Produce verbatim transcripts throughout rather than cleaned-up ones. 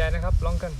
นะครับลองกัน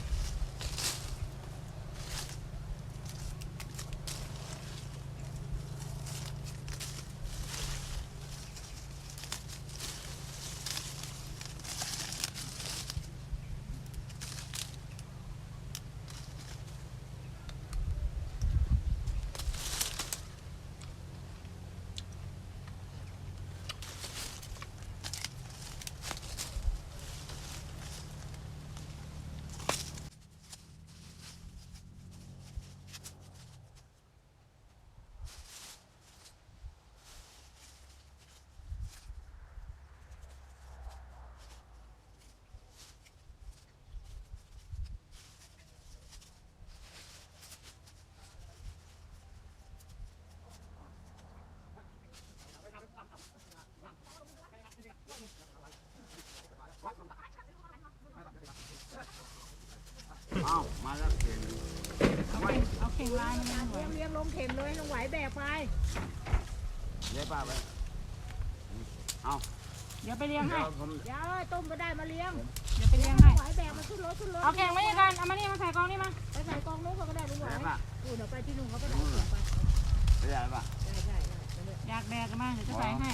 เอามาแล้วเข่งเอาเข่งลายมันเลี้ยงเลี้ยงลงเข่งเลยลงไหวแบกไปเลี้ยป้าไปเอาเดี๋ยวไปเลี้ยงให้เดี๋ยวต้มก็ได้มาเลี้ยงเดี๋ยวไปเลี้ยงให้ไหวแบกมาขึ้นรถขึ้นรถเอาแข่งไม่กันเอามานี่มาใส่กองนี่มาไปใส่กองนู้นก็ได้ลุงไหวอู้เดี๋ยวไปที่นู่นเขาไปไหนไปไม่ได้ป่ะได้ได้อยากแบกกันมากเดี๋ยวจะใส่ให้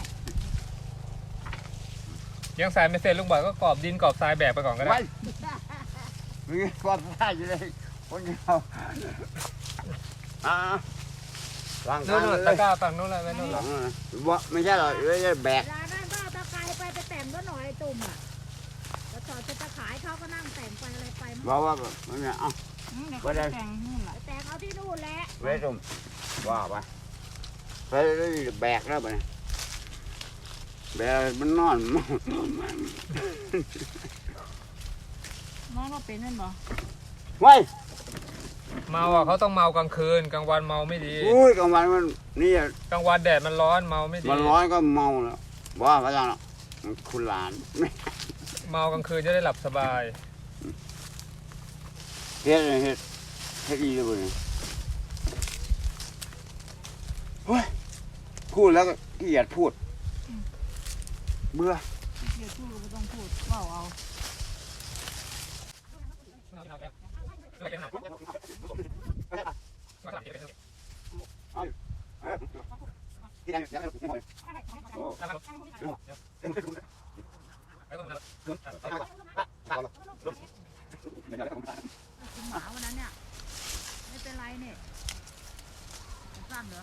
ยังใส่ไม่เสร็จลุงบ่อยก็กรอบดินกรอบทรายแบกไปก่อนก็ได้มีความได้อยู่เลยคนเดียวอ่าล่างนู้นตะก้าฝั่งนู้นเลยไม่นู้นหรอว่าไม่ใช่หรอกเลยแบกเวลาได้บ้าตะไคร้ไปไปแต่งก็หน่อยตุ่มอ่ะแล้วจอดจะจะขายเขาก็นั่งแต่งไปอะไรไปบอกว่ามันเนี่ยเอาไปแต่งนู่นแหละแต่งเอาที่นู่นแหละเวทุมว่าไปไปแบกแล้วไปแบกมันนอนน้องเราเป็นนั่นบ่ไว้เมาอ่ะเขาต้องเมากลางคืนกลางวันเมาไม่ดีอุ้ยกลางวันมันนี่กลางวันแดดมันร้อนเมาไม่ดีมันร้อนก็เมาแล้วว่าพระเจ้าคุณหลานเมากลางคืนจะได้หลับสบายเฮ็ดเฮ็ดเฮ็ดดีเลยเฮ้ยพูดแล้วก็เกลียดพูดเบื่อเกลียดพูดก็ต้องพูดเล่าเอาที่นั่นยังไม่ถูกหวยหมาวันนั้นเนี่ยไม่เป็นไรเนี่ยสั้นเหรอ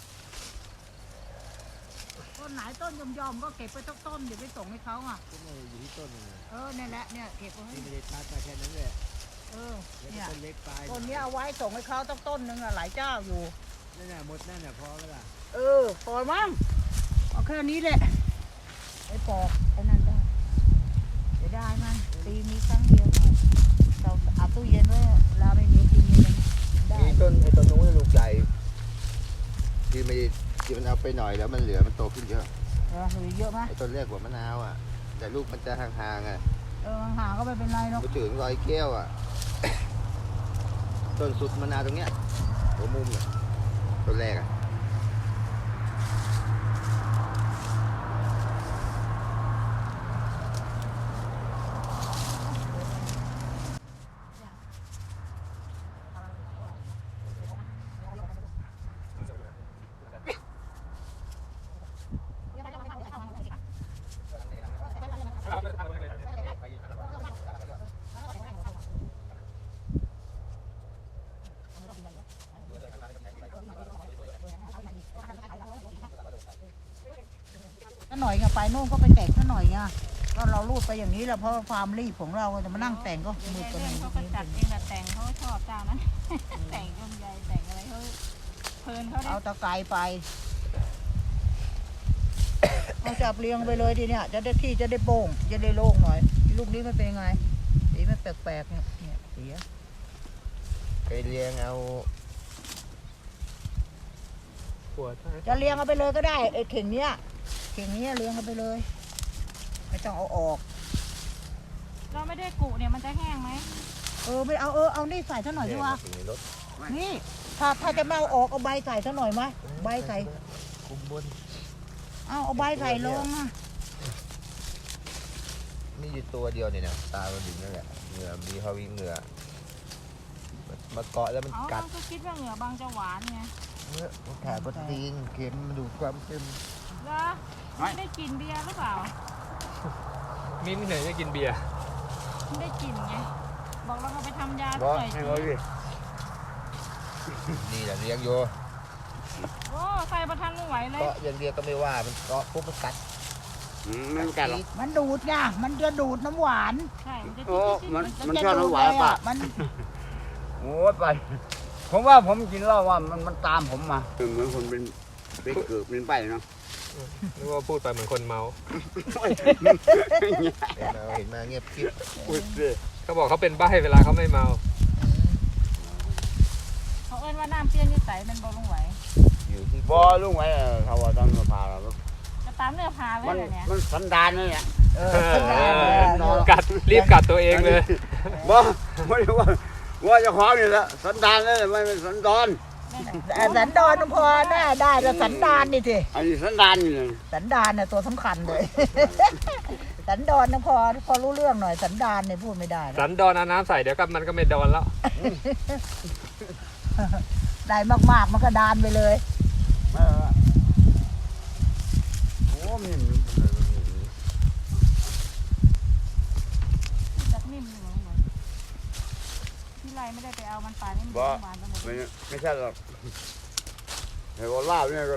ต้นไหนต้นยอมๆก็เก็บไปทุกต้นเดี๋ยวไปส่งให้เขาอ่ะอยู่ที่ต้นเลยเออเนี่ยแหละเนี่ยเก็บไว้ไม่ได้ตัดมาแค่นั้นเลยเออเนี่ยต้นเล็กปลายต้นนี้เอาไว้ส่งให้เขาต้องต้นหนึ่งอะหลายเจ้าอยู่นั่นน่ะหมดนั่นน่ะพอแล้วล่ะเออพอมั้งเอาแค่นี้แหละไอ้ปอกไอ้นั่นได้เดี๋ยวได้มันปีมีครั้งเดียวเราเอาตู้เย็นไว้เราไม่มีกินยังได้มีต้นไอ้ต้นนู้นลูกใหญ่ที่ไม่ที่มันเอาไปหน่อยแล้วมันเหลือมันโตขึ้นเยอะเออเหลือเยอะไหมไอ้ต้นแรกกว่ามะนาวอ่ะแต่ลูกมันจะห่างๆอ่ะเออห่างก็ไม่เป็นไรหรอกไปถึงรอยแก้วอ่ะต้นสุดมะนาวตรงเนี้ยหัวมุมเนี่ยต้นแรกอ่ะถ้าหน่อยไงไปโน่นก็ไปแต่งถ้าหน่อยไงก็เรารูดไปอย่างนี้แหละเพราะความรีบของเราจะมานั่งแต่งก็มือกันอย่างนี้เขาก็จัดเองแต่แต่งเขาชอบเจ้านั้นแต่งยมใหญ่แต่งอะไรเขาเพลินเขาเอาตะไคร้ไปเอาจับเรียงไปเลยทีเนี้ยจะได้ที่จะได้โป่งจะได้โล่งหน่อยลูกนี้มันเป็นยังไงสีมันแปลกๆเนี่ยเนี่ยสีไปเลี้ยงเอาจะเลี้ยงเอาไปเลยก็ได้ไอ้เข่งเนี้ยเข่งนี้เลี้ยงเอาไปเลยไม่ต้องเอาออกเราไม่ได้กุเนี่ยมันจะแห้งไหมเออไม่เอาเออเอานี่ใส่ซะหน่อยดีกว่านี่ถ้าถ้าจะมาเอาออกเอาใบใส่ซะหน่อยไหมใบใส่คุมบนเอาเอาใบใส่ลงอ่ะมีอยู่ตัวเดียวเนี่ยนะตามันดิ่งนั่นแหละเหงื่อมีเขาวิ่งเหงื่อมาเกาะแล้วมันอ๋อกัดก็คิดว่าเหงื่อบางจะหวานไงเนื้อมันขาดโปรตีนเค็มมันดูดความเค็มแล้วไม่ได้กินเบียร์หรือเปล่ามิ้นท์ไหนจะกินเบียร์ไม่ได้กินไงบอกเราเอาไปทำยาบอหน่อยให้สิเขาดินี่แหละเลี้ยงโยโอ้ใส่ประทันไม่ไหวเลยเกาะอย่างเดียวก็ไม่ว่ามันเกาะปุ๊บมันกัดอืมไม่กัดหรอกมันดูดไงมันจะดูดน้ำหวานใช่มันจะโอ้จิ๊ดมันๆๆมันจะชอบดูดน้ำหวานเลยป่ะอะมันโอ้ยไป ผมว่าผมกินเหล้าว่ามันมันตามผมมาเหมือนคนเป็นเป็นเกือบเป็นไปเนาะนึกว่าพูดไปเหมือนคนเมาเราเห็นมาเงียบกิ๊บอุ้ยสิเขาบอกเขาเป็นใบ้เวลาเขาไม่เมาเขาเอิ้นว่าน้ำเปรี้ยวนี่ใสมันบ่ลงไหวอยู่ที่บอลุงไว้เออเขาว่าตอนมาพาเราจะตามเนื้อพาเลยมันเหรอเนี่ยมันสันดานนี่แหละเออสันดานเลยอะนอนกัดรีบกัดตัวเองเลยบอไม่ได้ว่าว่าเจะของนี่แหละสันดานนี่แหละไม่เป็นสันดอนแต่สันดานพอแน่ได้แต่สันดานนี่สิอันนี้สันดานนี่เลยสันดานเนี่ยตัวสำคัญเลย สันดานนะพอพอรู้เรื่องหน่อยสันดานเนี่ยพูดไม่ได้นะสันดอนเอาน้ำใส่เดี๋ยวก็มันก็ไม่ดอนแล้วได้มากๆมันก็ดานไปเลยไม่ว่าโอ้มีมันจักนิ่มอยู่เหมือนที่ไรไม่ได้ไปเอามันไปนี่มันบอหวานไปหมดไม่ไม่ใช่หรอกไอ้ว่าลาบเนี่ยก็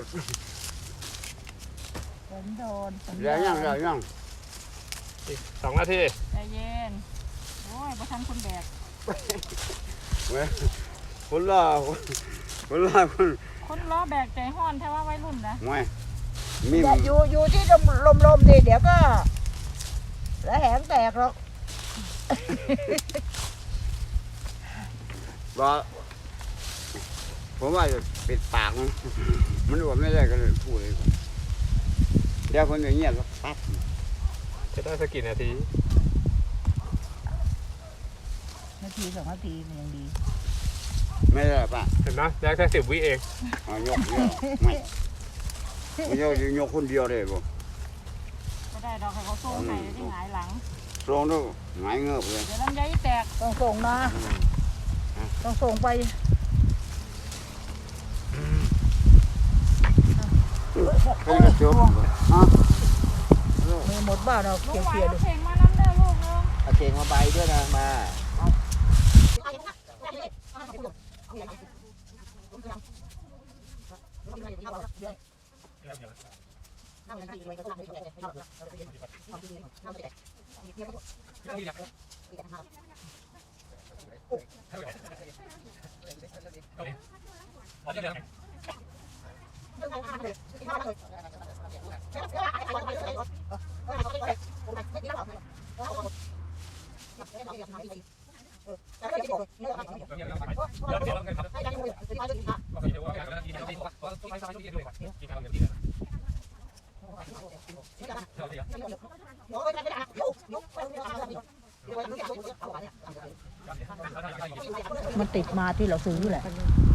สันดานสันเรียดางยังเรียงนยังอีกสองนาทีใจเย็นโอ้ยประทันคนแบกเว้ยคนละคนละคนคนล้อแบกใจห้อนแท้ว่าวัยรุ่นนะไม่มีอย่าอยู่อยู่ที่ลมลมๆดิเดี๋ยวก็แล้วแหงแตกหรอกว่าผมว่าจะปิดปากมันมันอวดไม่ได้ก็เลยพูดเลยเดี๋ยวคนอย่างเงี้ยก็ปั๊บจะได้สักกี่นาทีนาทีสองนาทีมันยังดีไม่ได้ป่ะเห็นไหมได้แค่สิบวิเองเอายกเดียวไม่ไม่ยกยกคนเดียวเลยบ่ก็ได้ดอกให้เขาสู้ให้ที่หงายหลังตรงนู้นหงายเงือบเลยเดี๋ยวลำไยแตกต้องส่งนะต้องส่งไปเป็นกระจกฮะมีหมดบ้านเราลุเคงไหวลียร์ๆเอาดูเข่งมาน้ำเด้อลูกลุงเอาเก่งมาใบด้วยนะมามันติดมาที่เราซื้อแหละ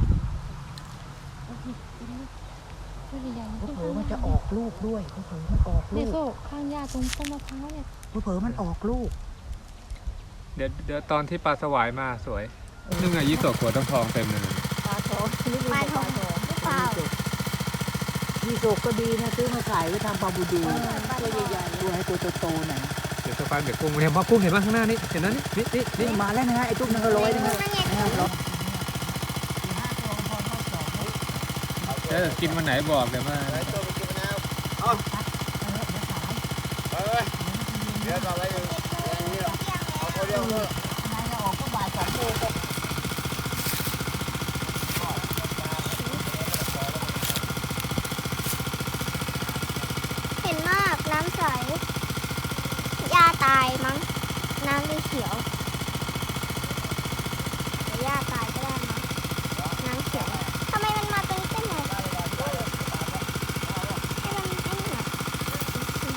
ไม่ได้ยังเผลอๆมันจะออกลูกด้วยเผลอๆมันออกลูเนี่ยกโซ่ข้างหญ้าตรงต้นมะพร้าวเนี่ยเผลอๆมันออกลูกเดี๋ยวเดี๋ยวตอนที่ปลาสวายมาสวยนึ่งอะยี่สกหัวต้องทองเต็มเลยปลาทองซื้อปลาทองหรือเปล่ายี่สกก็ดีนะซื้อมาขายไว้ทำปลาบูดูปลาทองตัวให้ตัวโตๆหน่อยเดี๋ยวสปานเดี๋ยวกุ้งเห็นว่ากุ้งเห็นว่าข้างหน้านี่เห็นนั้นนี่นี่นี่นี่มาแล้วนะฮะไอ้ตุ๊กนั่นก็ร้อยนึงนะนั่นไงนะครับเออกินวันไหนบอกเลยว่าไอ้ตัวไปกินมะนาวไปไปเดี๋ยวต่อไปอย่างนี้เอาคนเดียวเลยนายจะออกก็บ่ายสองโมงก็เห็นมากน้ำใสหญ้าตายมั้ง น้ำเลยเขียวหรือหญ้าตายก็ได้มั้ง น้ำเขียวทำไมมันมาตรงเส้นไหนให้มันไอ้นี่หน่อย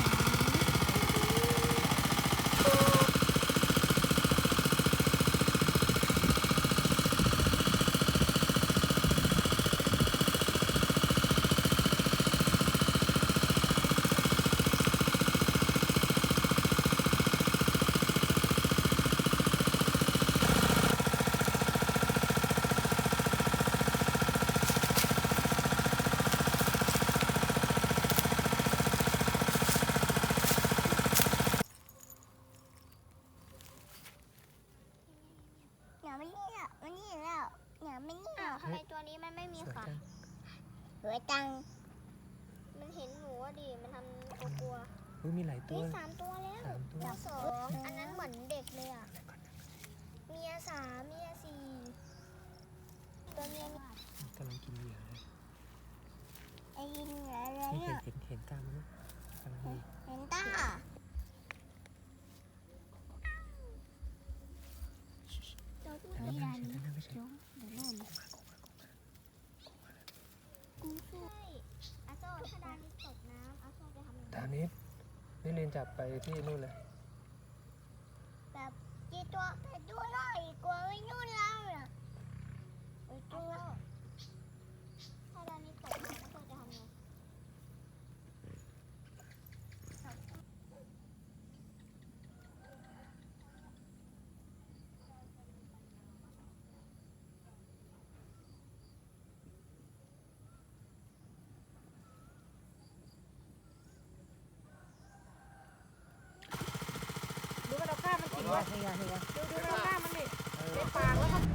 เไว้ตังมันเห็นหนูอะดิมันทำกลัวเฮ้ยมีหลายๆตัวนี่สามตัวแล้วสามตัวเจ้าสองอันนั้นเหมือนเด็กเลยอ่ะเมียสามเมียสี่ตัวเมียมีกำลังกินเหยื่อเลยไอ้ยิงอะไรนี่เห็นอ่ะเห็นเห็นกล้ามมันไหมกำลังดีเห็นตา ตัวผู้อันใหนี้ญ่ไม่ใช่นั่นไม่ใช่เดี๋ยวนู่นกูช่วยอาโซ่ถ้าดานิตกน้ำอาโซ่จะทำยังไงตามนี้นี่เรียนจับไปที่นู่นเลยแบบจีตัวไปตัวหน่อยกลัวไม่นู่นแล้วอ่ะไปตัวถ้าดานิตกน้ำอาโซ่จะทำยังไงดูมันเอาข้าวมันกินวะเฮียเฮียดูดูมันเอาข้าวมันดิในปากแล้วก็